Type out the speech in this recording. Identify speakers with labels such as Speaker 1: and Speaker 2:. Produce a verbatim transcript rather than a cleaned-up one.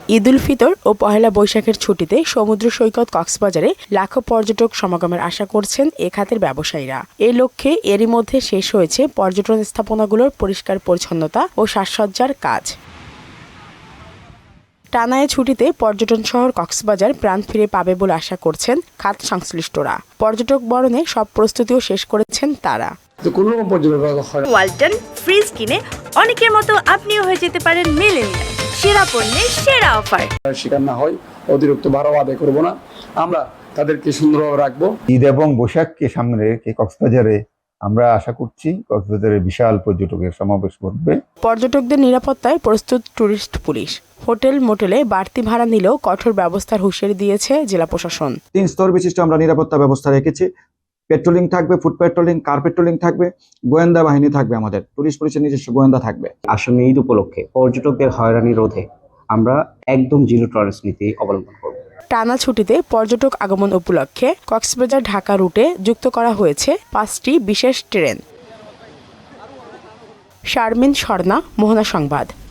Speaker 1: ঈদ উল ফিতর ও পহেলা বৈশাখের ছুটিতে সমুদ্র সৈকত কক্সবাজারে লাখো পর্যটক সমাগমের আশা করছেন এ খাতের ব্যবসায়ীরা। এই লক্ষ্যে এরই মধ্যে শেষ হয়েছে পর্যটন স্থাপনাগুলোর পরিষ্কার পরিচ্ছন্নতা ও সাজসজ্জার কাজ। টানা ছুটিতে পর্যটন শহর কক্সবাজার প্রাণ ফিরে পাবে বলে আশা করছেন খাত সংশ্লিষ্টরা। পর্যটক বরণে সব প্রস্তুতিও শেষ করেছেন তারা।
Speaker 2: ওয়ালটন ফ্রিজ কিনে অনেকের মতো আপনিও হয়ে যেতে পারেন মিলেনিয়াল। সেরা পণ্যের সেরা অফার।
Speaker 3: শিকার না হয়, অতিরিক্ত ভাড়া আদায় করবো না, আমরা তাদেরকে সুন্দরভাবে রাখবো।
Speaker 4: ঈদ এবং বৈশাখকে সামনে রেখে কক্সবাজারে আমরা আশা করছি কক্সবাজারে বিশাল পর্যটকের সমাবেশ ঘটবে।
Speaker 1: পর্যটকদের নিরাপত্তায় প্রস্তুত টুরিস্ট পুলিশ। হোটেল মোটেলে বাড়তি ভাড়া নিলেও কঠোর ব্যবস্থার হুঁশিয়ারি দিয়েছে জেলা প্রশাসন।
Speaker 5: তিন স্তর বিশিষ্ট আমরা নিরাপত্তা ব্যবস্থা রেখেছি। পেট্রোলিং থাকবে, ফুড পেট্রোলিং, কার পেট্রোলিং থাকবে, গোয়েন্দা বাহিনী থাকবে, আমাদের টুরিস্ট পুলিশের নিজস্ব গোয়েন্দা থাকবে।
Speaker 6: আসন্ন ঈদ উপলক্ষে পর্যটকদের হয়রানি রোধে আমরা একদম জিরো টলারেন্স নীতি অবলম্বন করব।
Speaker 1: টানা ছুটিতে পর্যটক আগমন উপলক্ষে কক্সবাজার ঢাকা রুটে যুক্ত করা হয়েছে পাঁচটি বিশেষ ট্রেন। শারমিন স্বর্ণা, মোহনা সংবাদ।